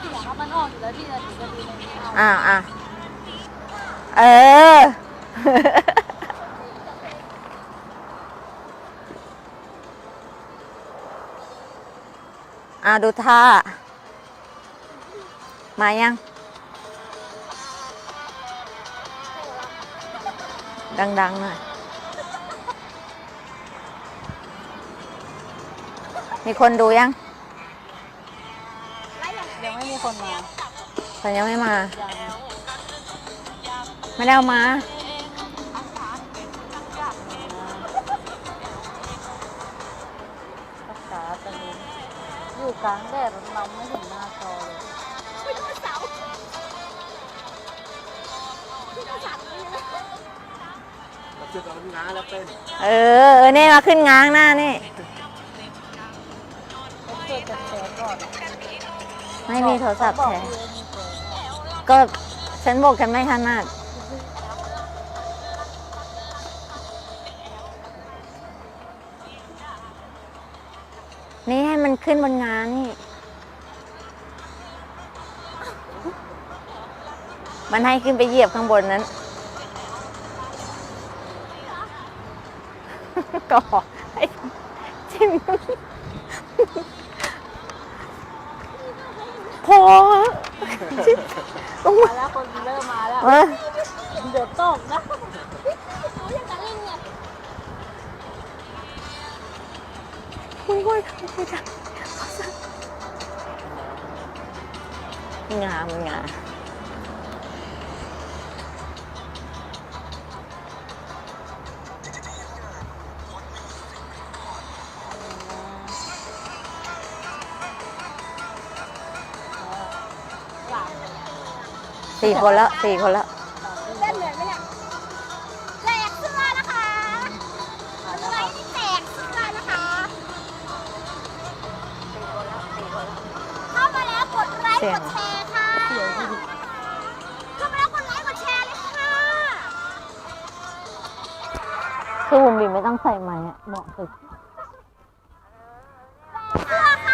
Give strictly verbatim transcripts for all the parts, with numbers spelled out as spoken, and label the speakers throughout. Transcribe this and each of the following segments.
Speaker 1: ยงมันออกอยู่แล้วที่จะถึงจะดีในนี้เอา
Speaker 2: อ่าอ่าเออ อ่าดูท่า มายัง ดังๆหน่อย มีคนดูยัง
Speaker 1: ยังไม่มีคนมา
Speaker 2: แต่ยังไม่มา
Speaker 1: ยัง
Speaker 2: ไม่ได้เอามา
Speaker 1: ภาษาตะลุงอยู่กลางแดดเราไม่เห็นหน้าจอเลย
Speaker 3: มาจุดเอาง้าแล้วเป็น
Speaker 2: เออเออนี่มาขึ้นง้างหน้านี่
Speaker 1: ต้องช่วยกันแชร์ก่อน
Speaker 2: ไม่มีโทรศัพท์
Speaker 1: บอก
Speaker 2: แชร์
Speaker 1: พี่เอ็มมีแชร์
Speaker 2: ก็ฉันบอกฉันไม่ถนัดนี่ให้มันขึ้นบนงานนี่ มันให้ขึ้นไปเหยียบข้างบนนั้น ก็ให้จิ้มพอจิ้มลง
Speaker 1: มา
Speaker 2: มา
Speaker 1: แล้วคนเริ่มมาแล้ว
Speaker 2: เออ
Speaker 1: เดี๋ยวตกนะ
Speaker 2: คุณก้อยคุยจังงามงามสี่คนแล้วสี่คนแล้ว
Speaker 4: เล่นเหมือนไหมเนี่ยแจกเสื้อนะคะไลฟ์นี่แจกเสื้อนะคะ เข้ามาแล้วกดไลค์กดแชร์ค่ะ เข้ามาแล้วกดไลค์กดแชร์เลยค่ะ
Speaker 2: คือบุ๋มบิ๋มไม่ต้องใส่ไม้อะเหมาะสุด
Speaker 4: เสื้อค่ะ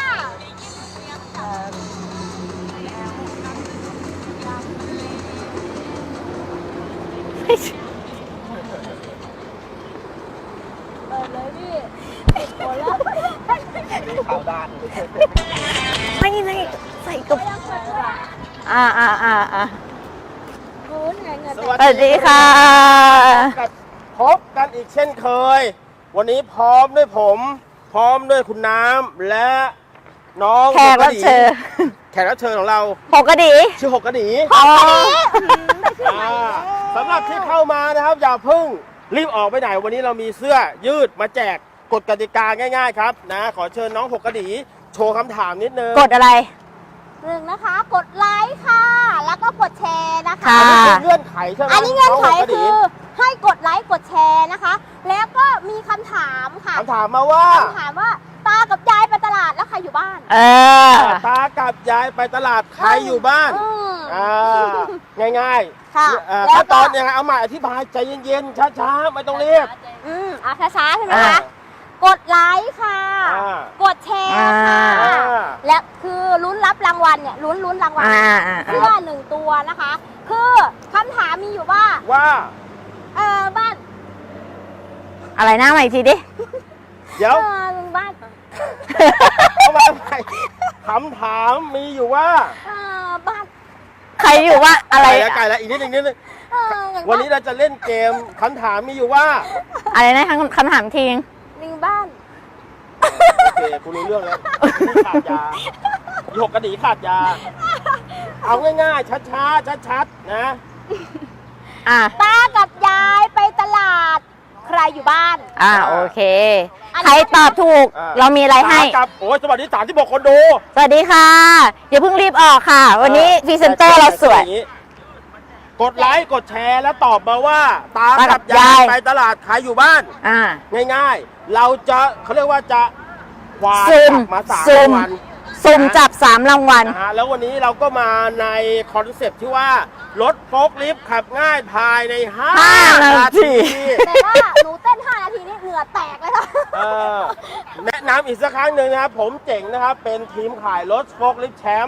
Speaker 1: เปิดเลยพี่ติดคนแล้ว
Speaker 3: ขาวด้าน
Speaker 2: ไม่ไม่ใส่กับอ่าอ่าอ่าอ่า
Speaker 1: รู้ไงเงิน
Speaker 3: ส
Speaker 2: ส
Speaker 3: วั
Speaker 2: วัสดีค่ะ
Speaker 3: กับพบกันอีกเช่นเคย วันนี้พร้อมด้วยผม พร้อมด้วยคุณน้ำและน้อง
Speaker 2: แขกรับเชิญ
Speaker 3: แขกรับเชิญของเรา
Speaker 2: หกกระดี
Speaker 3: ชื่อหกกระดี
Speaker 2: อ๋อ
Speaker 3: อ่าสำหรับที่เข้ามานะครับ อย่าเพิ่งรีบออกไปไหน วันนี้เรามีเสื้อยืดมาแจกกฎกติกาง่ายๆครับนะขอเชิญน้องหกกระดีโชว์คำถามนิดนึง
Speaker 2: กดอะไร
Speaker 4: หนึ่งนะคะ กดไลค์ค่ะ แล้วก็กดแชร์นะคะ
Speaker 2: ค่ะ
Speaker 3: อันนี้คือเงื่อนไขใช่ไหม
Speaker 4: อันนี้เงื่อนไข
Speaker 3: งหกกระ
Speaker 4: คื
Speaker 3: ดี
Speaker 4: อให้กดไลค์กดแชร์นะคะ แล้วก็มีคำถามค่ะ
Speaker 3: คำถามมาว่า
Speaker 4: คำถามว่าตากับยายไปตลาดแล้วใครอยู่บ้าน
Speaker 2: เออ
Speaker 3: ตากับยายไปตลาดใครอยู่บ้าน
Speaker 4: อืม
Speaker 3: อ่าง่ายๆ
Speaker 4: ค่ะ
Speaker 3: เอ่อ
Speaker 4: แล้ว
Speaker 3: ขั้นต
Speaker 4: ก็
Speaker 3: อนยังไงเอาใหม่อธิบายใจเย็นๆช้าๆไม่ต้องรีบ
Speaker 4: อืมอ่ะช้าๆใช่ไหม
Speaker 3: อ่า
Speaker 4: คะ กดไลค์ค่ะ
Speaker 3: อ่า
Speaker 4: กดแชร์ค่ะ
Speaker 3: อ่า
Speaker 4: และคือลุ้นรับรางวัลเนี่ยลุ้นลุ้นรางวัล
Speaker 2: อ่าอ่า
Speaker 4: เสื้อหนึ่งตัวนะคะ คือคำถามมีอยู่ว่า
Speaker 3: ว่า
Speaker 4: เออบ้าน
Speaker 2: อะไรนะใหม่อีกทีดิ
Speaker 3: เดี๋ยว
Speaker 4: เออบ้าน
Speaker 3: เอามาใหม่คำถามมีอยู่ว่า
Speaker 4: เออบ้าน
Speaker 2: ใครอยู่ว่าอะไร
Speaker 3: ไก่แล้วไก่แล้วอีกนิดนึงนิดนึง
Speaker 4: เอออย่าง
Speaker 3: วันนี้เราจะเล่นเกมคำถามมีอยู่ว่า
Speaker 2: อะไรนะคำคำถามทีนึง
Speaker 4: หนึ่งบ้าน
Speaker 3: โอเคคุณรู้เรื่องแล้วขาดยาอีหกกระดีขาดยา เอาง่ายๆช้าๆชัดๆนะ
Speaker 2: อ่า
Speaker 4: ตากับยายไปตลาด ใครอยู่บ้าน
Speaker 2: อ่าโอเค
Speaker 4: อันนี้
Speaker 2: ใครตอบถูก
Speaker 3: อ่า
Speaker 2: เรามีอะไรให้
Speaker 3: ตากับโอ้ยสวัสดีสามที่บอกคนดู
Speaker 2: สวัสดีค่ะ อย่าเพิ่งรีบออกค่ะ วันนี้พรีเซนเตอร์เราสวย
Speaker 3: กดไลค์กดแชร์แล้วตอบมาว่า ตา
Speaker 2: ตากั
Speaker 3: กั
Speaker 2: บบ ยาย
Speaker 3: ยายไปตลาดขายอยู่บ้าน
Speaker 2: อ่า
Speaker 3: ง่ายๆ เราจะเขาเรียกว่าจะควาน
Speaker 2: ซุ่ม
Speaker 3: กลับมาสาม
Speaker 2: ซุ่ม
Speaker 3: วัน
Speaker 2: สุ่มจับสามรางวัล
Speaker 3: นะฮะแล้ววันนี้เราก็มาในคอนเซปต์ที่ว่ารถโฟล์คลิฟต์ขับง่ายภายในห้า
Speaker 2: ห้านา
Speaker 3: นา
Speaker 2: ที
Speaker 3: ที
Speaker 4: แต่ว่าหนูเต้นห้านาทีนี่เหงื่อแตกเลยค่ะ
Speaker 3: เออแนะนำอีกสักครั้งหนึ่งนะครับ ผมเจ๋งนะครับ เป็นทีมขายรถโฟล์คลิฟต์แชมป์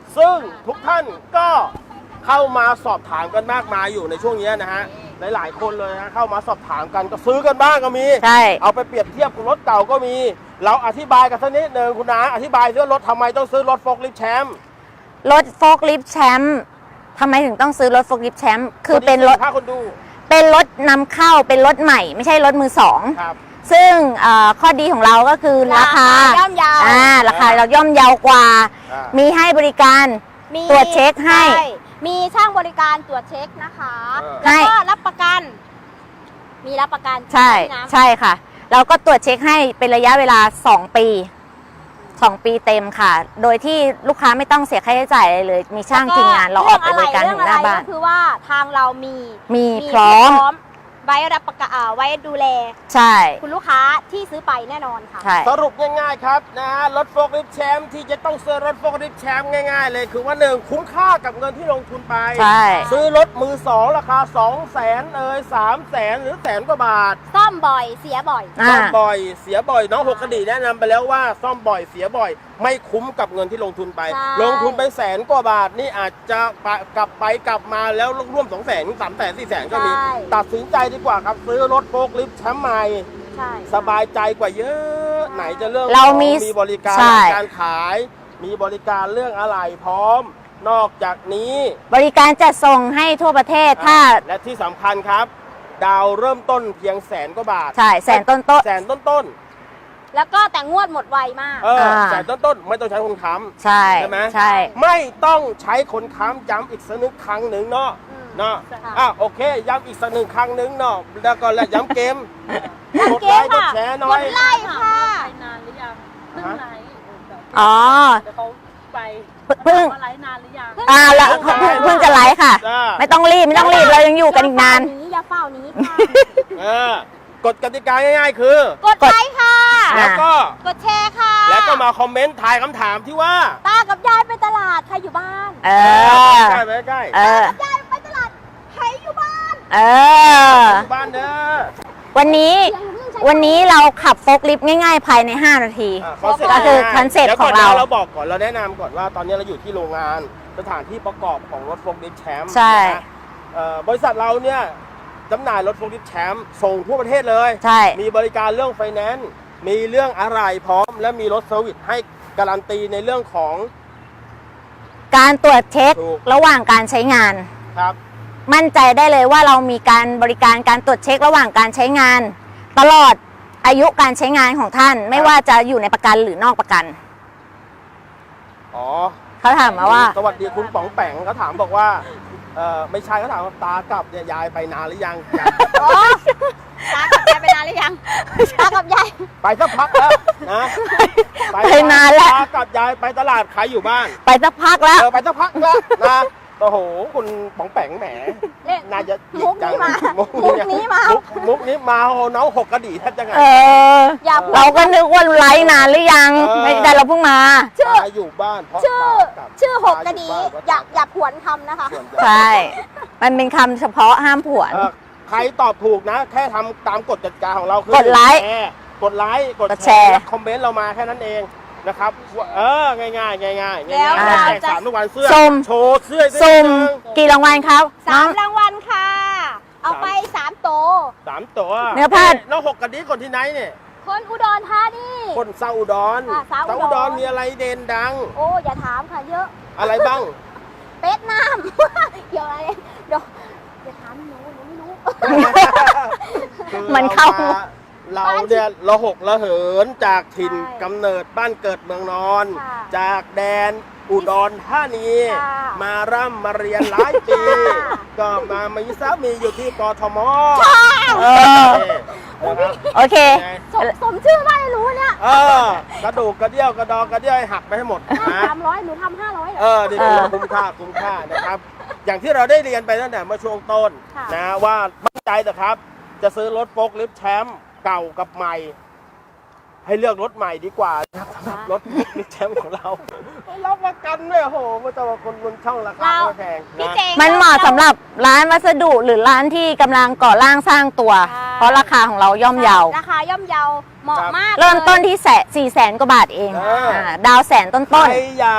Speaker 3: ซึ่งทุกท่านก็เข้ามาสอบถามกันมากมายอยู่ในช่วงนี้นะฮะหลายๆคนเลยนะเข้ามาสอบถามกันก็ซื้อกันบ้างก็มี
Speaker 2: ใช่
Speaker 3: เอาไปเปรียบเทียบกับรถเก่าก็มี เราอธิบายกันสักนิดหนึ่งคุณนาอธิบายว่ารถทำไมต้องซื้อรถโฟล์คลิฟต์แชมป์
Speaker 2: รถโฟล์คลิฟต์แชมป์ทำไมถึงต้องซื้อรถโฟล์คลิฟต์แชมป์คือเป็นรถ
Speaker 3: ถ้าคนดู
Speaker 2: เป็นรถนำเข้าเป็นรถใหม่ ไม่ใช่รถมือสอง
Speaker 3: ครับ
Speaker 2: ซึ่งเอ่อข้อดีของเราก็คือราคา
Speaker 4: ย่อมเยาว
Speaker 2: อ่าราคาเราย่อมเยาวกว่า
Speaker 3: อ่า
Speaker 2: มีให้บริการ
Speaker 4: มี
Speaker 2: ตรวจเช็คให้
Speaker 4: ช่มีช่างบริการตรวจเช็คนะคะ
Speaker 3: เออ
Speaker 4: แล้วก็รับประกัน มีรับประกัน
Speaker 2: ใช่
Speaker 4: ไหมนะ
Speaker 2: ใช่ค่ะ เราก็ตรวจเช็คให้เป็นระยะเวลาสองปีสองปีเต็มค่ะ โดยที่ลูกค้าไม่ต้องเสียค่าใช้จ่ายอะไรเลย มีช่างทีมงานเราออกไปบริการถึงหน้าบ้าน
Speaker 4: ก็คือว่าทางเรามี
Speaker 2: มีพร้อม
Speaker 4: ไว้รับประกันอ่าไว้ดูแล
Speaker 2: ใช่
Speaker 4: คุณลูกค้าที่ซื้อไปแน่นอนค่ะ
Speaker 2: ใช่
Speaker 3: สรุปง่ายๆครับนะฮะรถโฟล์คลิฟต์แชมป์ที่จะต้องซื้อรถโฟล์คลิฟต์แชมป์ง่ายๆเลยคือว่าหนึ่งคุ้มค่ากับเงินที่ลงทุนไป
Speaker 2: ใช่
Speaker 3: ซื้อรถมือสองราคาสองแสนเอ่ยสามแสนหรือแสนกว่าบาท
Speaker 4: ซ่อมบ่อยเสียบ่อย
Speaker 2: อ่า
Speaker 3: ซ่อมบ่อยเสียบ่อยน้องหกกระดีแนะนำไปแล้วว่าซ่อมบ่อยเสียบ่อย ไม่คุ้มกับเงินที่ลงทุนไป
Speaker 4: ใช่
Speaker 3: ลงทุนไปแสนกว่าบาทนี่อาจจะกลับไปกลับมาแล้วร่วมสองแสนสามแสนสี่แสนก็มี
Speaker 4: ใช่
Speaker 3: ตัดสินใจดีกว่าครับซื้อรถโฟล์คลิฟต์แชมป์ใหม่
Speaker 4: ใช่
Speaker 3: สบายใจกว่าเยอะ ไหนจะเรื่อง
Speaker 2: เรามี
Speaker 3: ของมีบริการ
Speaker 2: ใช่
Speaker 3: การขาย มีบริการเรื่องอะไหล่พร้อม นอกจากนี้
Speaker 2: บริการจัดส่งให้ทั่วประเทศถ้า
Speaker 3: และที่สำคัญครับ ดาวเริ่มต้นเพียงแสนกว่าบาท
Speaker 2: ใช่แสนต้นต้น
Speaker 3: แสนต้นต้น
Speaker 4: แล้วก็แต่งวดหมดไวมาก
Speaker 3: ๆเออ
Speaker 2: อ่า
Speaker 3: แสนต้นต้นๆไม่ต้องใช้คนค้
Speaker 2: ใช่
Speaker 3: ใช่ไหม
Speaker 2: ใช่
Speaker 3: ำไม่ต้องใช้คนค้ำย้ำอีกสักหนึ่งครั้งหนึ่งเนาะ
Speaker 4: อืม
Speaker 3: เนาะ
Speaker 4: ค่ะ
Speaker 3: อ่ะโอเคย้ำอีกสักหนึ่งครั้งหนึ่งเนาะแล้วก็แล้วย้ำเกมกด
Speaker 4: เก
Speaker 3: ไล
Speaker 4: ม
Speaker 3: ค์กด
Speaker 4: ค่ะ
Speaker 3: แชร์หน่
Speaker 4: ก
Speaker 3: อย
Speaker 4: ดไลค์ค่ะ
Speaker 1: ไปนานหรือยังเพิ่งไลฟ์แบบ
Speaker 2: อ๋อ
Speaker 1: เดี๋ยวเขาไป
Speaker 2: เพิ่ง
Speaker 1: มาไลฟ์นานหรือยัง
Speaker 2: อ่าแล้วเพิ่งเพิ่งจะไลฟ์ค่ะ
Speaker 3: จ้า
Speaker 2: ไม่ต้องรีบไม่ต้องรีบเรายังอยู่กันอีกนาน
Speaker 4: อย่าเฝ้านี้ค่ะ
Speaker 3: เออกฎกติกาง่ายๆคือ
Speaker 4: กดไลค์ค่ะ
Speaker 2: อ่ะ
Speaker 3: แล้วก็
Speaker 4: กดแชร์ค่ะ
Speaker 3: แล้วก็มาคอมเมนต์ทายคำถามที่ว่า
Speaker 4: ตากับยายไปตลาดใครอยู่บ้าน
Speaker 2: เออ
Speaker 3: ใกล้ไหมใกล้
Speaker 2: เออ
Speaker 4: ยายไปตลาดใครอยู่บ้าน
Speaker 2: เออ
Speaker 3: อยู่บ้านเด้อ
Speaker 2: วันนี้วันนี้เราขับโฟล์คลิฟต์ง่ายๆ ภายใน ห้า นาที
Speaker 3: อ่ะคอนเซ็ปต์
Speaker 2: ก็คือ
Speaker 3: ง่ายๆ
Speaker 2: คอนเซ็ปต์
Speaker 3: ดี๋ยว
Speaker 2: ของ
Speaker 3: ก่น
Speaker 2: เรา
Speaker 3: นะเราบอกก่อนเราแนะนำก่อนว่าตอนนี้เราอยู่ที่โรงงานสถานที่ประกอบของรถโฟล์คลิฟต์แชมป์
Speaker 2: ใช่
Speaker 3: นะเอ่อบริษัทเราเนี่ยจำหน่ายรถโฟล์คลิฟต์แชมป์ส่งทั่วประเทศเลย
Speaker 2: ใช่
Speaker 3: มีบริการเรื่องไฟแนนซ์มีเรื่องอะไรพร้อม และมีรถเซอร์วิสให้การันตีในเรื่องของ
Speaker 2: การตรวจเช็ค
Speaker 3: ถูก
Speaker 2: ระหว่างการใช้งาน
Speaker 3: ครับ
Speaker 2: มั่นใจได้เลยว่าเรามีการบริการการตรวจเช็คระหว่างการใช้งาน ตลอดอายุการใช้งานของท่าน ไม่ว่าจะอยู่ในประกันหรือนอกประกัน
Speaker 3: อ๋อ
Speaker 2: เขาถามมาว่า
Speaker 3: สวัสดีคุณป๋องแปงเขาถามบอกว่าเออไม่ใช่เขาถามว่าตากลับเนี่ยยายไปนานหรือยังยัง
Speaker 4: อ๋อตากับยายไปนานหรือยังตากับยาย
Speaker 3: ไปสักพักแล้วนะ
Speaker 2: ไปนานแล้ว
Speaker 3: ตากับยายไปตลาดขายอยู่บ้าน
Speaker 2: ไปสักพักแล้ว
Speaker 3: เออไปสักพักแล้วนะโอ้โหคุณป๋องแปงแหม
Speaker 4: เอ๊ะ
Speaker 3: น่าจะ
Speaker 4: มุกนี้มา
Speaker 3: มุก
Speaker 4: มุกนี้มา
Speaker 3: มุกมุกนี้มาโอ้โหน้องหกกระดี่แทบจะไง
Speaker 2: เออ
Speaker 4: อย่าพูด
Speaker 2: เราก็นึกว่าไลฟ์นานหรือยัง
Speaker 3: เออ
Speaker 2: ไม่ได้เราเพิ่งมา
Speaker 4: ชื่อ
Speaker 3: ตาอยู่บ้านเพราะ
Speaker 4: ชื่อ
Speaker 3: ตากลับ
Speaker 4: ชื่อหกกระดี
Speaker 3: ตอยู่บ้น
Speaker 4: อย่าอย่าผวนคำนะคะ
Speaker 3: ส่วนใหญ่
Speaker 2: ใช่ มันเป็นคำเฉพาะห้ามผวน
Speaker 3: เออใครตอบถูกนะ แค่ทำตามกฎกติกาของเราคื
Speaker 2: กดไลค์
Speaker 3: แชร์กดไลค์กด
Speaker 2: กด
Speaker 3: แช
Speaker 2: แชร์
Speaker 3: ร์และคอมเมนต์เรามาแค่นั้นเองนะครับว่าเออง่ายๆง่ายๆง่ายๆ
Speaker 4: แล้ว
Speaker 3: ง่ายๆ
Speaker 4: เรา
Speaker 3: แจก
Speaker 4: จะ
Speaker 3: สามทุกวันเสื้อ
Speaker 2: สุ่ม
Speaker 3: โชว์เสื้อด้วย
Speaker 2: ซุ่ม
Speaker 3: นิดนึง
Speaker 2: กี่รางวัลครับ
Speaker 4: สา
Speaker 2: น้อ
Speaker 4: ม
Speaker 2: ง
Speaker 4: รางวัลค่ะ เอาไปสามโตว
Speaker 3: สามตัว
Speaker 2: เนื้อผ้า
Speaker 3: น้องหกกระดิ่งคนที่ไหนเนี่ย
Speaker 4: คนอุดรธานี
Speaker 3: คนเซาอุดร
Speaker 4: อ่ะเซาอุดร
Speaker 3: อุดรมีอะไรเด่นดัง
Speaker 4: โอ้อย่าถามค่ะเยอะ
Speaker 3: อะไรบ้าง
Speaker 4: เป็ดน้ำ เดี๋ยวอะไรเดี๋ยวอย่าถามหนูหนูไม่รู้
Speaker 3: คือ
Speaker 2: มันเข้า
Speaker 3: เรามาเราเนี่ยระหกระเหินจากถิ่น
Speaker 4: ใช่
Speaker 3: กำเนิดบ้านเกิดเมืองนอน
Speaker 4: ค่ะ
Speaker 3: จากแดนอุดรธานี
Speaker 4: ค่ะ
Speaker 3: มาร่ำมาเรียนหลายปี
Speaker 4: ค่ะ
Speaker 3: ก็มามีสามีอยู่ที่กทม
Speaker 2: เออ
Speaker 3: นะครับ
Speaker 2: โอเค
Speaker 3: ไง
Speaker 4: สมสมชื่อมากเลยรู้เนี่ย
Speaker 3: เออกระดูกกระเดี่ยวกระดองกระเดี่ยวให้หักไปให้หมดนะ
Speaker 4: สามร้อยหนูทำห้าร้อย
Speaker 3: เออดี
Speaker 2: เออ
Speaker 3: คุ้มค่าคุ้มค่านะครับ อย่างที่เราได้เรียนไปตั้งแต่เมื่อช่วงต้น
Speaker 4: ค่ะ
Speaker 3: นะว่ามั่นใจเถอะครับ จะซื้อรถโฟล์คลิฟต์แชมป์เก่ากับใหม่ ให้เลือกรถใหม่ดีกว่านะครับสำหรับรถโฟล์คลิฟต์แชมป์ของเรารับประกันด้วยโอ้โหมันจะมาคนบนช่องราคา
Speaker 4: เรา
Speaker 3: ไม่แพง
Speaker 4: พี่
Speaker 3: นะ
Speaker 4: เจง
Speaker 2: มันเหมาะสำหรับร้านวัสดุหรือร้านที่กำลังก่อร่างสร้างตัว
Speaker 4: ใช่
Speaker 2: เพราะราคาของเราย่อมเยา
Speaker 4: ราคาย่อมเยาเหมาะมาก
Speaker 2: เริ่มต้น
Speaker 4: ลย
Speaker 2: ที่แสนสี่แสนกว่าบาทเอง
Speaker 3: เอออ่
Speaker 2: าดาวแสนต้น
Speaker 3: ใค
Speaker 2: ต้น
Speaker 3: รอยาก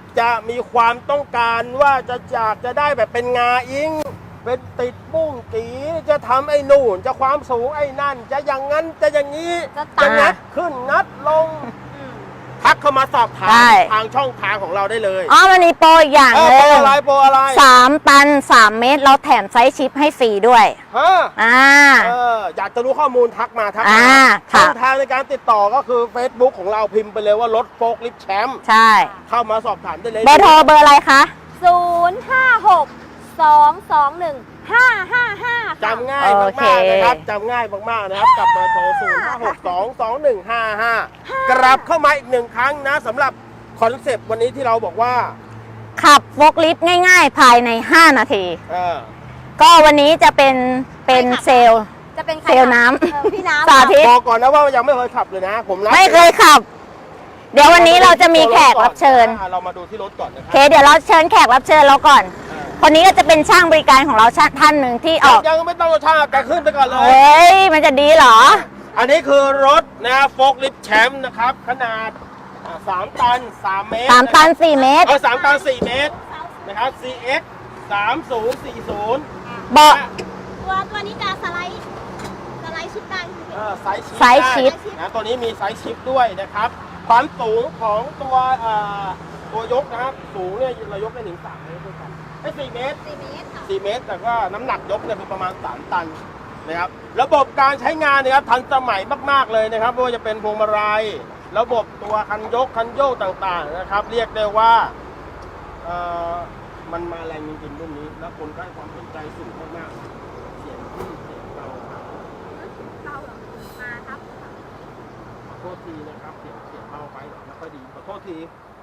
Speaker 3: จะมีความต้องการว่าจะอยากจะได้แบบเป็นงาอิงเป็นติดบุ้งกีจะทำไอ้นู่นจะความสูงไอ้นั่น จะอย่างนั้นจะอย่างนี้
Speaker 1: จะตัด
Speaker 3: จะงัดขึ้นงัดลงทักเข้ามาสอบถาม
Speaker 2: ใช่
Speaker 3: ทางช่องทางของเราได้เลย
Speaker 2: อ๋อมันมีโปรอีกอย่าง
Speaker 3: เออ
Speaker 2: ห
Speaker 3: โปร
Speaker 2: นึ่ง
Speaker 3: อะไรโปรอะไร
Speaker 2: สามตันสามเมตรเราแถมไซส์ชิปให้ฟรีด้วย
Speaker 3: ฮะ
Speaker 2: อ่า
Speaker 3: เอออยากจะรู้ข้อมูลทักมาทัก
Speaker 2: อ่า
Speaker 3: มา
Speaker 2: ค่ะ
Speaker 3: ช่องทางในการติดต่อก็คือ Facebook ของเราพิมพ์ไปเลยว่ารถโฟล์คลิฟต์แชมป์
Speaker 2: ใช่
Speaker 3: เข้ามาสอบถามได้เลย
Speaker 2: เบอร์โทรเบอร์อะไรคะ
Speaker 4: ศูนย์ห้าหกสองสองหนึ่งห้าห้าห้า
Speaker 3: จำง่าย
Speaker 2: โอ
Speaker 3: มาก
Speaker 2: เค
Speaker 3: ๆนะครับจำง่ายมากๆนะครับกับเบอร์โทร ศูนย์ ห้า หก สอง สอง หนึ่ง ห้า ห้า กลับเข้ามาอีกหนึ่งครั้งนะสำหรับคอนเซปต์วันนี้ที่เราบอกว่า
Speaker 2: ขับโฟล์คลิฟต์ง่ายๆ ภายใน ห้า นาที
Speaker 3: เออ
Speaker 2: ก็วันนี้จะเป็นเป็นเซลล์
Speaker 4: จะเป็นใคร
Speaker 2: เซลล์น้ำ
Speaker 4: เออพี่น้ำ
Speaker 2: สาธิต
Speaker 3: บอกก่อนนะว่ายังไม่เคยขับเลยนะ ผมรับ
Speaker 2: ไม่เคยขับ เดี๋ยววันนี้เราจะมีแขกรับเชิญ
Speaker 3: อ่ะเรามาดูที่รถก่อนนะค
Speaker 2: โอ
Speaker 3: รั
Speaker 2: เค เดี๋ยวเราเชิญแขกรับเชิญเราก่อน คนนี้ก็จะเป็นช่างบริการของเราท่านหนึ่งที่ออก
Speaker 3: ยังไม่ต้องรสชาติแต่ขึ้นไปก่อนเล
Speaker 2: เฮ
Speaker 3: ย
Speaker 2: ้ย มันจะดีเหรอ
Speaker 3: อันนี้คือรถนะโฟล์คลิฟต์แชมป์นะครับ ขนาดอ่าสามตันสามเมตร
Speaker 2: สามตันสี่เมตร
Speaker 3: เอาสามตันสี่เมตรนะครับ ซี เอ็กซ์ สามศูนย์สี่ศูนย์
Speaker 2: เบาะ
Speaker 4: ตัวตัวนี้จะสไลด์สไลด์ชิปได้คือ
Speaker 3: เออไซส์ชิป
Speaker 2: ไซส์ชิป
Speaker 3: ได้นะตัวนี้มีไซส์ชิปด้วยนะครับ ความสูงของตัวเอ่อตัวยกนะครับ สูงเนี่ยเรายกได้ถึงสามเมตรด้วยกันไอ้สี่เมตร
Speaker 4: สี่เมตรค่ะ
Speaker 3: สี่เมตร แต่ก็น้ำหนักยกเนี่ยคือประมาณสามตันนะครับ ระบบการใช้งานนะครับทันสมัยมากๆเลยนะครับไม่ว่าจะเป็นพวงมาลัยระบบตัวคันยกคันโยกต่างๆนะครับ เรียกได้ว่าเอ่อมันมาแรงจริงๆรุ่นนี้ แล้วคนก็ให้ความสนใจสูงมากๆเสียงที่เสียงเบา
Speaker 4: เราเหรอมาครับ
Speaker 3: ขอโทษทีนะครับเสียงเสียงเบาไปไม่ค่อยดีขอโทษที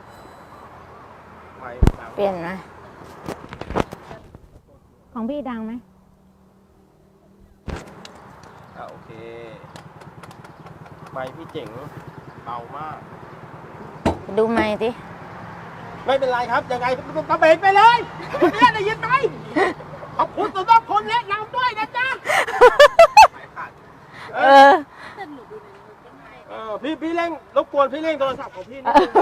Speaker 3: ไม่ดัง
Speaker 2: เปลี่ยนไหมของพี่ดังไหม
Speaker 3: อ่ะโอเคไม่พี่เจ๋งเบามาก
Speaker 2: ดูไมค์สิ
Speaker 3: ไม่เป็นไรครับยังไงกระเบนไปเลยคนนี้ได้ยินไหมขอบคุณสำหรับคนแนะนำด้วยนะจ๊ะ
Speaker 2: เออ
Speaker 3: เออพี่พี่เร่งรบกวนพี่เร่งโทรศัพท์ของพี่นิดนึง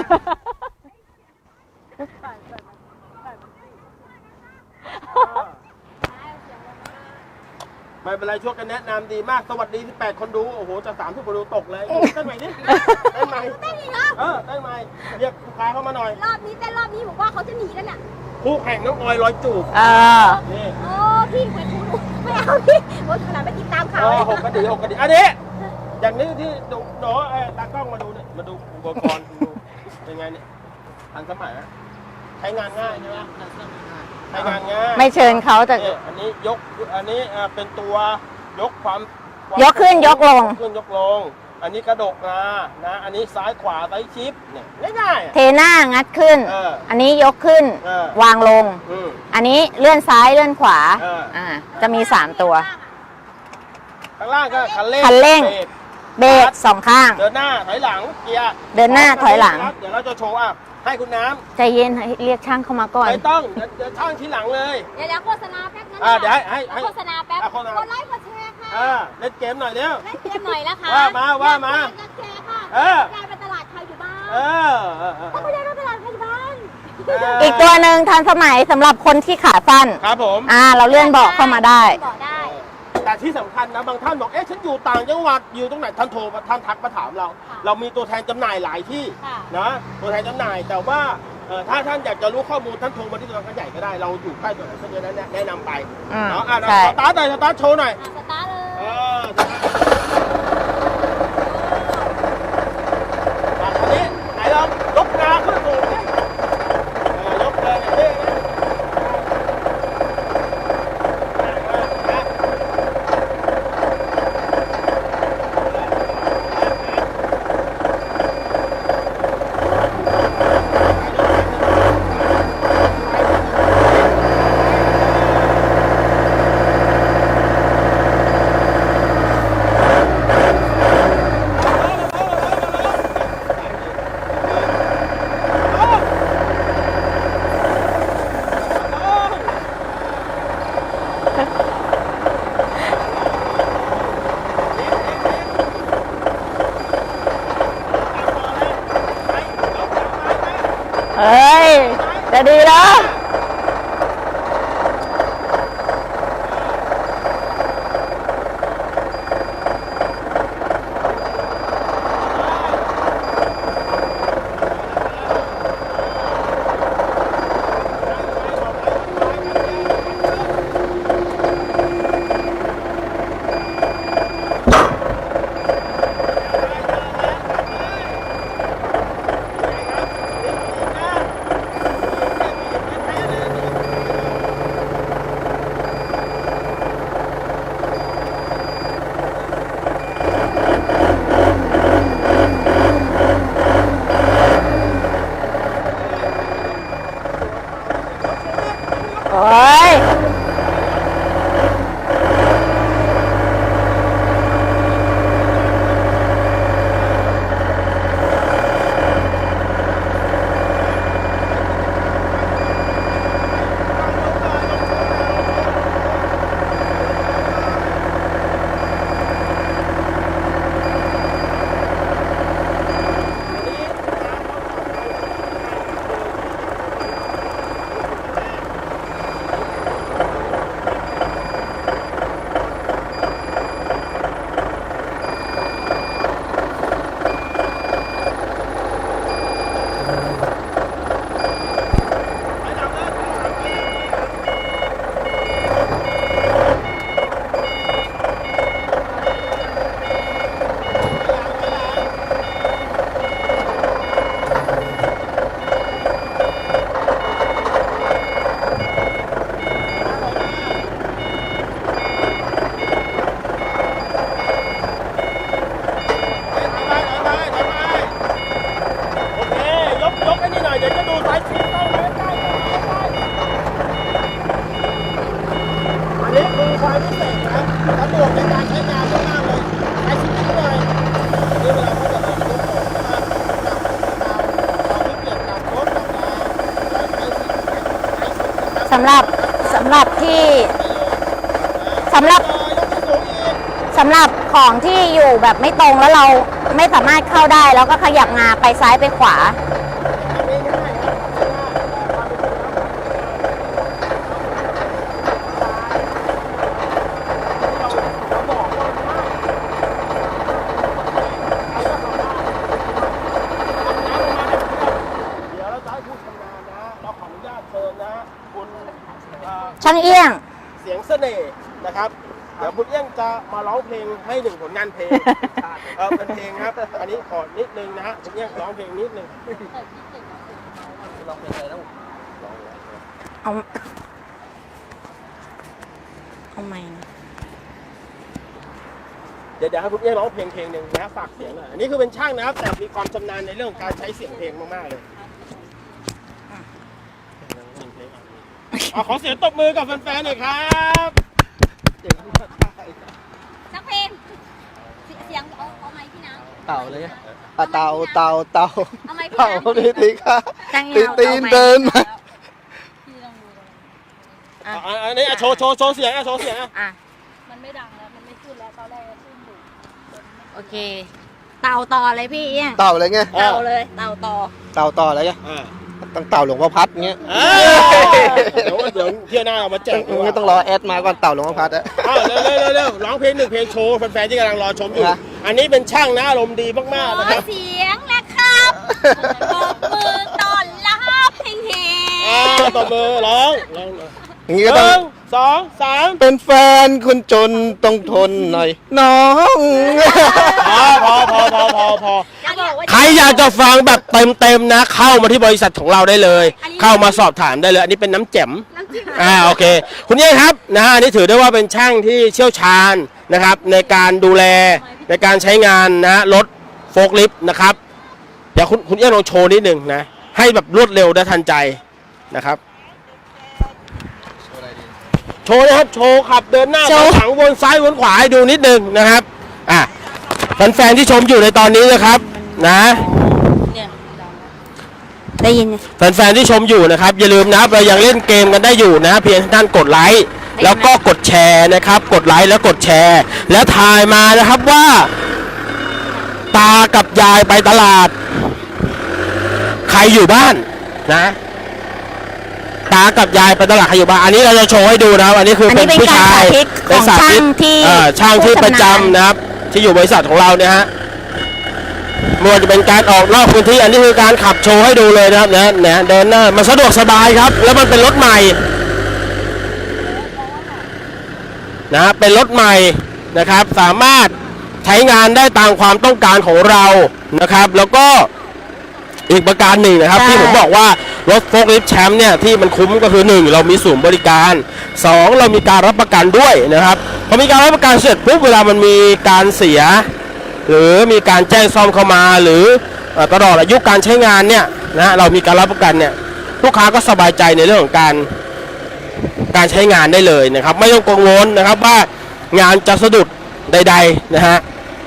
Speaker 3: ไม่เป็นไรช่วยกันแนะนำดีมากสวัสดีที่แปดคนดูโอ้โหจะสามทุกคนดูตกเลยเต้นใหม่ดิเต้นใหม่
Speaker 4: เต้นอีกเหรอ
Speaker 3: เออเต้นใหม่เรียกลูกค้าเข้ามาหน่อย
Speaker 4: รอบนี้เต้นรอบนี้ผมว่าเขาจะหนีกันอ่ะ
Speaker 3: คู่แข่งน้องออยร้อยจูบ
Speaker 2: เออ
Speaker 3: นี่
Speaker 4: โอ้พี่ไปทุกไม่เอาพี่โอ้ขนาดไปติดตามข่าว
Speaker 3: เอ
Speaker 4: เล
Speaker 3: อย หกกระดิ่งหกกระดิ่งอันนี้อย่างนี้ที่ดูหนูเออตากล้องมาดูเนี่ยมาดูอุปกรณ์ดูเป็นไงเนี่ยทันสมัยนะใช้งานง่ายใช่ไหมใช้งานง่าย
Speaker 2: ไม่เชิญเขาแต่
Speaker 3: เนี่ยอันนี้ยกอันนี้อ่าเป็นตัวยกความความ
Speaker 2: ยกขึ้นยกลง
Speaker 3: ยกขึ้นยกลง อันนี้กระดกมานะ อันนี้ซ้ายขวาซ้ายชิปเนี่ยง่ายๆอ่ะ
Speaker 2: เทหน้างัดขึ้น
Speaker 3: เออ
Speaker 2: อันนี้ยกขึ้น
Speaker 3: เออ
Speaker 2: วางลง
Speaker 3: อืม
Speaker 2: อันนี้เลื่อนซ้ายเลื่อนขวา
Speaker 3: เอออ่
Speaker 2: อ่า จะมีสามตัว
Speaker 3: ข้างล่างก็คันเร่ง
Speaker 2: คันเร่ง
Speaker 3: บรก
Speaker 2: เบรกสองข้าง
Speaker 3: เดินหน้าถอยหลังเกียร์
Speaker 2: เดินหน้าถอยหลัง
Speaker 3: ครับเดี๋ยวเราจะโชว์อ่ะให้คุณน้
Speaker 2: ใจเย็นให้เรียกช่างเข้ามาก่อ
Speaker 3: ำ
Speaker 2: น
Speaker 3: ไม่ต้องเดี๋ยวเดี๋ยวช่างทีหลังเลย
Speaker 4: เดี๋ยวเดี๋ยวโฆษณาแป๊บนึง
Speaker 3: อ่าเดี๋ยวให้ให้ให้
Speaker 4: โฆษณาแป๊บ
Speaker 3: อ่ะโฆษณา
Speaker 4: กดไลค์กดแชร์ค่ะ
Speaker 3: อ่าเล่นเกมหน่อยเร็ว
Speaker 4: เล่นเกมหน่อยนะคะ
Speaker 3: ว่ามาว่ามา
Speaker 4: เล่นเกมค่ะ
Speaker 3: เออ
Speaker 4: ยายไปตลาดใครอยู่บ้าน
Speaker 3: เออเออเออ
Speaker 4: ถ้าคุณยายไปตลาดใครอยู่บ้าน
Speaker 3: เ
Speaker 2: อีกตัวหนึ่งทันสมัยสำหรับคนที่ขาสั้น
Speaker 3: ครับผม
Speaker 2: อ่า เราเลื่อนเบาะเข้ามาได้
Speaker 4: บอกได้
Speaker 3: แต่ที่สำคัญนะบางท่านบอกเอ๊ะฉันอยู่ต่างจังหวัดอยู่ตรงไหนท่านโทรมาท่านทักมาถามเรา
Speaker 4: ค่ะ
Speaker 3: เรามีตัวแทนจำหน่ายหลายที่
Speaker 4: ค่ะ
Speaker 3: นะตัวแทนจำหน่ายแต่ว่าเอ่อถ้าท่านอยากจะรู้ข้อมูลท่านโทรมาที่ตัวแทนใหญ่ก็ได้เราอยู่ใกล้ตัวไหนก็จะแนะแนะนำไป
Speaker 2: อืม
Speaker 3: เนาะอ่ะ
Speaker 2: ใช่
Speaker 3: สตาร์ทหน่อยสตาร์ทโชว์หน่อย
Speaker 4: อ่ะสตาร์ทเลย
Speaker 3: เอออ่ะอันนี้ไหนลองยกนาขึ้นสูงดิเออยกเลยอย่างนี้นะอ่ะอ่ะอ่ะ
Speaker 2: เฮ้ย จะดีแล้ว โอ้ย
Speaker 3: โอเค ยกยกไอ้นี่หน่อย เดี๋ยวจะดูสายชิ้นต้องไว้ใกล้อันนี้คือความพิเศษนะสะดวกในการใช้งานมากๆเลยสายชิ้นนิดหน่อยอันนี้เวลาเขาจะยกออกนะครับจับเราเราไม่เปลี่ยนจากรถกับเราเราใช้ชิ้นใช้ชิ้น
Speaker 2: สำหรับสำหรับที่สำหรับ
Speaker 3: ยกที่สูงอีก
Speaker 2: สำหรับของที่อยู่แบบไม่ตรงแล้วเราไม่สามารถเข้าได้แล้วก็ขยับงาไปซ้ายไปขวา
Speaker 3: ทำง่ายๆครับทำง่ายๆความเป็นจริงแล้วเราบอกว่าเดี๋ยวเราจะให้ผู้ชำนาญนะเราขออนุญาตเชิญนะคุณเอ่อ
Speaker 2: ช่างเอี้ยง
Speaker 3: เสียงเสน่ห์นะครับ เดี๋ยวคุณเอี้ยงจะมาร้องเพลงให้หนึ่งผลงานเพลงเออเป็นเพลงครับ อันนี้ขอนิดนึงนะฮะคุณเอี้ยงร้องเพลงนิดนึงร้องเพลงอะไรแล้ว
Speaker 2: เอาเอาไหม
Speaker 3: เดี๋ยวเดี๋ยวให้คุณเอี้ยงร้องเพลงเพลงหนึ่งนะฝากเสียงหน่อยอันนี้คือเป็นช่างนะครับ แต่มีความชำนาญในเรื่องของการใช้เสียงเพลงมากๆเลยอ่ะขอเสียงตบมือกับแฟนๆหน่อยครับ
Speaker 4: สักเพลงเสียงเอาเอาไม้พี่นะ
Speaker 5: เต่าเลยอ่ะเต่าเต่าเต่า
Speaker 4: เอาไม้พี่
Speaker 5: เต่า
Speaker 4: นะ
Speaker 5: ดีดีค่ะ
Speaker 2: ช่างเอี้
Speaker 5: ตี
Speaker 2: ยง
Speaker 5: ตีนเดินมา
Speaker 4: พี่ลองดู
Speaker 2: อ่ะ
Speaker 3: อ่ะอันนี้อ่ะโชว์โชว์โชว์เสียงอ่ะโชว์เสียงอ่ะ
Speaker 2: อ่ะ
Speaker 4: มันไม่ดังแล้วมันไม่ขึ้นแล้วตอนแรกขึ้นอยู่
Speaker 2: โอเค เต่าต่อเลยพี่เอี้ยง
Speaker 5: เต่าอะไรเงี้ย
Speaker 2: เต่าเลยเต่าต่อ
Speaker 5: เต่าต่ออะไรเงี้ย
Speaker 3: อ่า
Speaker 5: ตั้งเต่าหลวงพ่อพัดเงี้ย
Speaker 3: เอ้ยเดี๋ยวเดี๋ยวเที่ยวหน้าเอามาแจกดีกว่า
Speaker 5: ไม่ต้องรอแอดมาก่อนเต่าหลวงพ่อพัดอะ
Speaker 3: อ้าวเร็วเร็วเร็วเร็วร้องเพลงหนึ่งเพลงโชว์แฟนๆที่กำลังรอชมอยู่
Speaker 5: นะ
Speaker 3: อันนี้เป็นช่างนะอารมณ์ดีมากๆนะครับ
Speaker 4: เสียงและครับตบมือต้อนรับเพลงเฮ
Speaker 3: อ่าตบมือร้องร้องห
Speaker 5: อย่างงี้
Speaker 3: นึ่
Speaker 5: ก็ต้อง
Speaker 3: งสองสาม
Speaker 5: เป็นแฟนคนจนต้องทนหน่อย น้อง
Speaker 3: พอพอพอพอพอพอ
Speaker 4: จะบอกว่า
Speaker 3: ใครอยากจะฟังแบบเต็มๆนะ เข้ามาที่บริษัทของเราได้เลย เข้ามาสอบถามได้เลย อันนี้เป็นน้ำแจ่ม
Speaker 4: น้ำจิ้ม
Speaker 3: อ่าโอเค คุณเย่ครับนะฮะอันนี้ถือได้ว่าเป็นช่างที่เชี่ยวชาญนะครับ ในการดูแลในการใช้งานนะรถโฟล์คลิฟต์นะครับเดี๋ยวคุณคุณเย่ลองโชว์นิดหนึ่งนะ ให้แบบรวดเร็วและทันใจนะครับโชว์นะครับโชว์ขับเดินหน้า
Speaker 2: โช
Speaker 3: ถ
Speaker 2: ว์
Speaker 3: อยหลังวนซ้ายวนขวาให้ดูนิดหนึงนะครับอ่ะแฟนๆที่ชมอยู่ในตอนนี้นะครับนะ
Speaker 2: ได้ยิน
Speaker 3: แฟนๆที่ชมอยู่นะครับอย่าลืมนะครับเรายังเล่นเกมกันได้อยู่นะเพียงท่านกดไลค์แล้วก็กดแชร์นะครับ กดไลค์แล้วกดแชร์ แล้วทายมานะครับว่า ตากับยายไปตลาด ใครอยู่บ้านนะตากับยายไปตลาดใครอยู่บ้านอันนี้เราจะโชว์ให้ดูนะครับอันนี้คือ
Speaker 2: อัน
Speaker 3: เป็
Speaker 2: นี้
Speaker 3: น
Speaker 2: เป็น
Speaker 3: ผู้
Speaker 2: การ
Speaker 3: ชาย
Speaker 2: สาธิตของ
Speaker 3: สาธิต
Speaker 2: ช่างที่
Speaker 3: เอ่อช่างที่
Speaker 2: ผู้
Speaker 3: ประ
Speaker 2: ชำนาญ
Speaker 3: จำนะครับ ที่อยู่บริษัทของเราเนี่ยฮะไม่ว่าจะเป็นการออกนอกพื้นที่อันนี้คือการขับโชว์ให้ดูเลยนะครับนะนะเดินหน้ามันสะดวกสบายครับ แล้วมันเป็นรถใหม่นะเป็นรถใหม่นะครับ สามารถใช้งานได้ตามความต้องการของเรานะครับ แล้วก็อีกประการหนึ่งนะครับ
Speaker 2: ใช่
Speaker 3: ที่ผมบอกว่ารถโฟล์คลิฟต์แชมป์เนี่ยที่มันคุ้มก็คือหนึ่งเรามีศูนย์บริการสองเรามีการรับประกันด้วยนะครับพอมีการรับประกันเสร็จปุ๊บเวลามันมีการเสีย หรือมีการแจ้งซ่อมเข้ามาหรือเอ่อตลอดอายุการใช้งานเนี่ยนะเรามีการรับประกันเนี่ยลูกค้าก็สบายใจในเรื่องของการการใช้งานได้เลยนะครับ ไม่ต้องกังวลนะครับว่างานจะสะดุดใดๆนะฮะ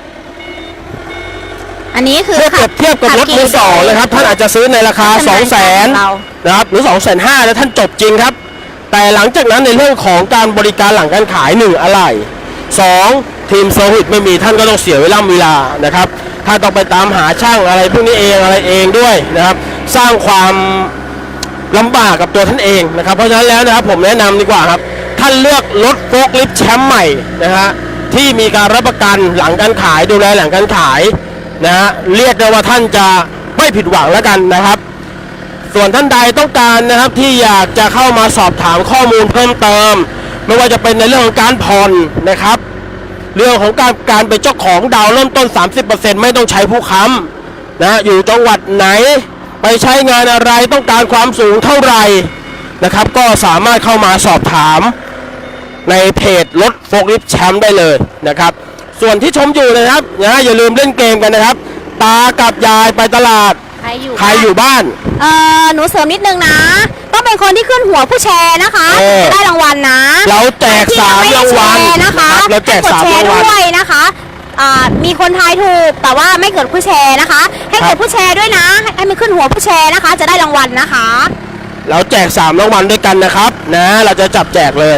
Speaker 2: อันนี้คือ
Speaker 3: เมื่อเปรียบเทียบกับรถมือสองนะครับท่านอาจจะซื้อในราคา สองแสน
Speaker 2: เรา
Speaker 3: นะครับหรือ สองแสนห้าพัน แล้วท่านจบจริงครับ แต่หลังจากนั้นในเรื่องของการบริการหลังการขายหนึ่งอะไหล่สองทีมเซอร์วิสไม่มีท่านก็ต้องเสียเวลาเวลานะครับถ้าต้องไปตามหาช่างอะไรพวกนี้เองอะไรเองด้วยนะครับสร้างความลำบากกับตัวท่านเองนะครับเพราะฉะนั้นแล้วนะครับผมแนะนำดีกว่าครับท่านเลือกรถโฟล์คลิฟต์แชมป์ใหม่นะฮะที่มีการรับประกันหลังการขายดูแลหลังการขายนะฮะเรียกได้ว่าท่านจะไม่ผิดหวังแล้วกันนะครับส่วนท่านใดต้องการนะครับที่อยากจะเข้ามาสอบถามข้อมูลเพิ่มเติมไม่ว่าจะเป็นในเรื่องของการผ่อนนะครับเรื่องของการการเป็นเจ้าของดาวเริ่มต้น สามสิบเปอร์เซ็นต์ ไม่ต้องใช้ผู้ค้ำนะอยู่จังหวัดไหนไปใช้งานอะไรต้องการความสูงเท่าไหร่นะครับก็สามารถเข้ามาสอบถามในเพจรถโฟล์คลิฟต์แชมป์ได้เลยนะครับส่วนที่ชมอยู่นะครับนะอย่าลืมเล่นเกมกันนะครับตากับยายไปตลาด
Speaker 2: ใครอยู่
Speaker 3: ใครอยู่บ้าน
Speaker 2: เออหนูเสริมนิดนึงนะต้องเป็นคนที่ขึ้นหัวผู้แชร์นะคะ
Speaker 3: เออ
Speaker 2: จะได้รางวัลนะ
Speaker 3: เราแจกสามรางวัล
Speaker 2: ที่ยังไม่ได้แชร์นะคะ
Speaker 3: เราแจกสาม
Speaker 2: ให้ดแช
Speaker 3: รางวัล
Speaker 2: ด้วยนะคะอ่ามีคนทายถูกแต่ว่าไม่เกิดผู้แชร์นะคะ ให้เกิดผู้แชร์ด้วยนะให้ให้มันขึ้นหัวผู้แชร์นะคะ จะได้รางวัลนะคะ
Speaker 3: เราแจกสามรางวัลด้วยกันนะครับนะเราจะจับแจกเลย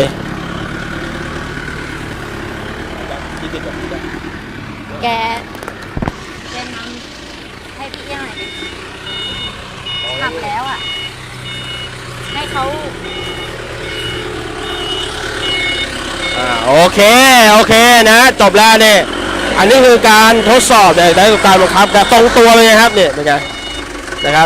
Speaker 2: แกแกนำให้พี่ยังไงดิขับแล้วอ่ะให้เขา
Speaker 3: อ่าโอเคโอเคนะจบแล้วเนี่ยอันนี้คือการทดสอบเนี่ยได้การบังคับแต่ตรงตัวเลยนะครับเนี่ยเป็นไงนะครับ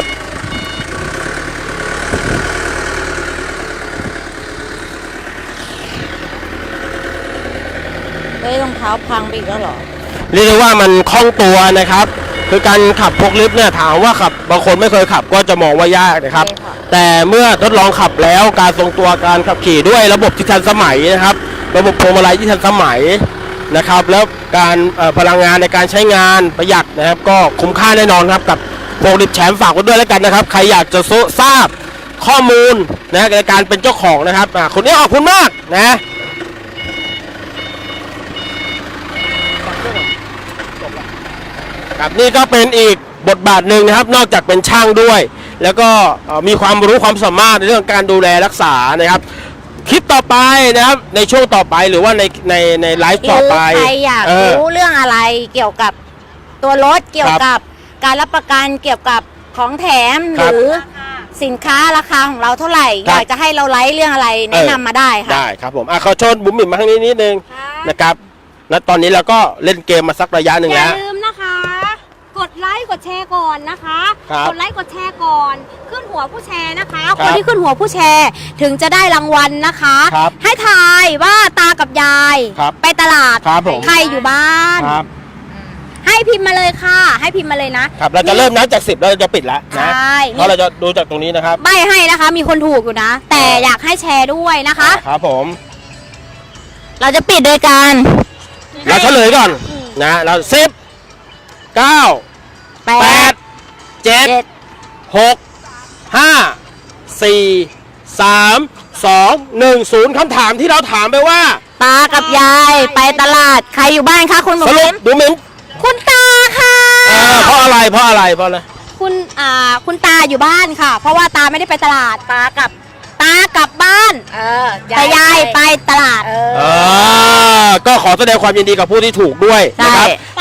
Speaker 1: เฮ้ยรองเท้าพังไปอีกแล้วเหรอ
Speaker 3: เรียกได้ว่ามันคล่องตัวนะครับคือการขับพวกลิฟต์เนี่ยถามว่าขับบางคนไม่เคยขับก็จะมองว่ายากนะครับ
Speaker 1: ใช่ค่ะ
Speaker 3: แต่เมื่อทดลองขับแล้วการทรงตัวการขับขี่ด้วยระบบที่ทันสมัยนะครับ ระบบพวงมาลัยที่ทันสมัยนะครับ แล้วการเอ่อพลังงานในการใช้งานประหยัดนะครับ ก็คุ้มค่าแน่นอนครับกับโฟล์คลิฟต์แชมป์ฝากไว้ด้วยแล้วกันนะครับ ใครอยากจะทราบข้อมูลนะในการเป็นเจ้าของนะครับอ่าคนนี้ขอบคุณมากนะครับนี่ก็เป็นอีกบทบาทหนึ่งนะครับนอกจากเป็นช่างด้วย แล้วก็เอ่อมีความรู้ความสามารถในเรื่องการดูแลรักษานะครับคลิปต่อไปนะครับในช่วงต่อไปหรือว่าในในในไลฟ์ต่อไป
Speaker 2: ใครอยาก
Speaker 3: เออ
Speaker 2: รู้เรื่องอะไรเกี่ยวกับตัวรถเกี่ยวกับการรับประกันเกี่ยวกับของแถม
Speaker 3: ค
Speaker 2: ห
Speaker 3: รับ
Speaker 2: รือสินค้าราคาของเราเท่าไหร่
Speaker 3: ครั
Speaker 2: อบ ยากจะให้เราไลฟ์เรื่องอะไรแนะนำมาได้ค่ะ
Speaker 3: ได้ครับผมอ่ะขอเชญบุ๋มบิ่มมาทางนี้นิดนึงนะครับแล้วตอนนี้เราก็เล่นเกมมาสักระยะหนึ่ง
Speaker 4: อย่า
Speaker 3: แล้ว
Speaker 4: ลืมนะคะ กดไลค์กดแชร์ก่อนนะคะ
Speaker 3: ครับ
Speaker 4: กดไลค์กดแชร์ก่อน ขึ้นหัวผู้แชร์นะคะ
Speaker 3: ค
Speaker 4: ครับ นที่ขึ้นหัวผู้แชร์ถึงจะได้รางวัลนะคะ
Speaker 3: ครับ
Speaker 4: ให้ทายว่าตากับยาย
Speaker 3: ครับ
Speaker 4: ไปตลาด
Speaker 3: ครับผม
Speaker 4: ใครอยู่บ้าน
Speaker 3: ครับ
Speaker 4: ให้พิมพ์มาเลยค่ะ ให้พิมพ์มาเลยนะครับ
Speaker 3: เราจะเริ่มนับจากสิบแล้วเราจะปิดแล้ว
Speaker 4: ใช
Speaker 3: นะ
Speaker 4: ่
Speaker 3: เพราะเราจะดูจากตรงนี้นะครับ
Speaker 4: ใบให้นะคะ มีคนถูกอยู่นะ แต่อยากให้แชร์ด้วยนะคะ
Speaker 3: ครับผม
Speaker 2: เราจะปิดโดยการ
Speaker 3: เราเฉลยก่อนนะเราสิบเก้า
Speaker 2: แป
Speaker 3: แป
Speaker 2: ด
Speaker 3: ดเจ็ด
Speaker 2: เจ็ด
Speaker 3: หกห้าสี่สามสองหนึ่งศูนย์คำถามที่เราถามไปว่า
Speaker 2: ตากับยายไปตลาดใครอยู่บ้านคะคุณหม
Speaker 3: ส
Speaker 2: อ
Speaker 3: รุ
Speaker 2: เข็
Speaker 3: ป
Speaker 2: ม
Speaker 3: ดูเหม็น
Speaker 4: คุณตาค่ะ
Speaker 3: เออเพราะอะไรเพราะอะไรเพราะอะไร
Speaker 4: คุณอ่าคุณตาอยู่บ้านค่ะ เพราะว่าตาไม่ได้ไปตลาด
Speaker 2: ตากับ
Speaker 4: ตากลับบ้าน
Speaker 2: เออ
Speaker 4: แต่ยายไปตลาด
Speaker 2: เอ
Speaker 3: เอ
Speaker 2: อ
Speaker 3: อก็ขอแสดงความยินดีกับผู้ที่ถูกด้วยนะครับ
Speaker 2: ใช่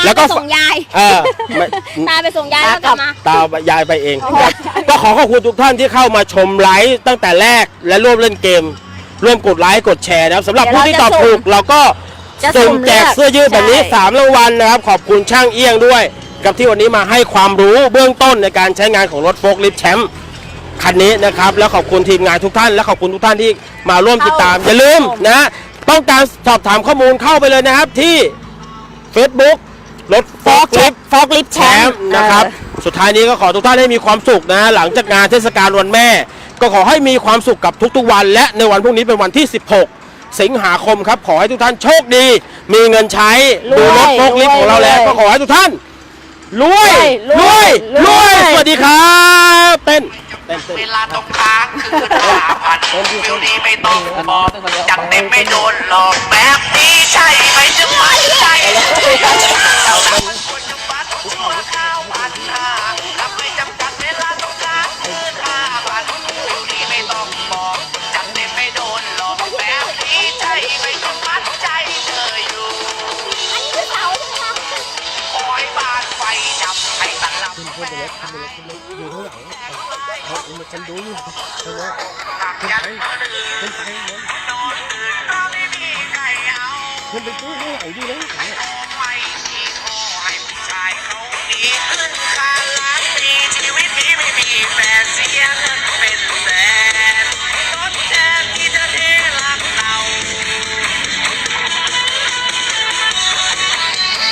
Speaker 2: แล้วก็ส่งยาย
Speaker 3: เออไม่
Speaker 2: ตาไปส่งยายแล้วกลับมา
Speaker 3: ตายายไปเองครับก็ขอขอบคุณทุกท่านที่เข้ามาชมไลฟ์ตั้งแต่แรกและร่วมเล่นเกม ร่วมกดไลค์กดแชร์นะครับสำหรับผู้ที่ตอบถูกเราก็
Speaker 2: จะ
Speaker 3: สุ่
Speaker 2: สุ่
Speaker 3: ม
Speaker 2: ม
Speaker 3: แจกเสื้อยืดแบบนี้
Speaker 2: ใช่
Speaker 3: สามรางวัลนะครับขอบคุณช่างเอี้ยงด้วย กับที่วันนี้มาให้ความรู้เบื้องต้นในการใช้งานของรถโฟล์คลิฟต์แชมป์คันนี้นะครับแล้วขอบคุณทีมงานทุกท่านและขอบคุณทุกท่านที่มาร่วมติดตามอย่าลืมนะต้องการสอบถามข้อมูลเข้าไปเลยนะครับที่ Facebook รถโฟล์คลิฟต์
Speaker 2: ฟอกลิฟต์แช
Speaker 3: แช
Speaker 2: ม
Speaker 3: ม
Speaker 2: ป์
Speaker 3: ป์นะครับสุดท้ายนี้ก็ขอทุกท่านให้มีความสุขนะหลังจากงานเทศกาลวันแม่ ก็ขอให้มีความสุขกับทุกๆวัน และในวันพรุ่งนี้เป็นวันที่ สิบหก สิงหาคมครับขอให้ทุกท่านโชคดี มีเงินใช้ดูรถโฟล์คลิฟต์ของเราแล้วก็ขอให้ทุกท่านรวยรวยรวยสวัสดีครับเต้นเต้นเต้น
Speaker 6: เวลาตรงกลางคือห้าพันฟิลนี้ไม่ต้องบอกจัดเต็มไม่โดนหลอกแบบนี้ใช่ไหมจะไม่ใช่เราทำมันควรจะบัตรชั่วข้าวพันห้ารับไม่จำกัดเวลาตรงกลางคือห้าพันฟิลนี้ไม่ต้องบอกจัดเต็มไม่โดนหลอกแบบนี้ใช่ไหมต้องมัดใจเธออยู่
Speaker 4: อันนี้คือเสาใช่ไหมคะ
Speaker 6: คอยบานไฟดับให้ตลับแม่หักยันมือดื้อนอนอื่นก็ไม่มีใครเอา
Speaker 3: ขึ้นไปตู้ข้างหลังดีเลย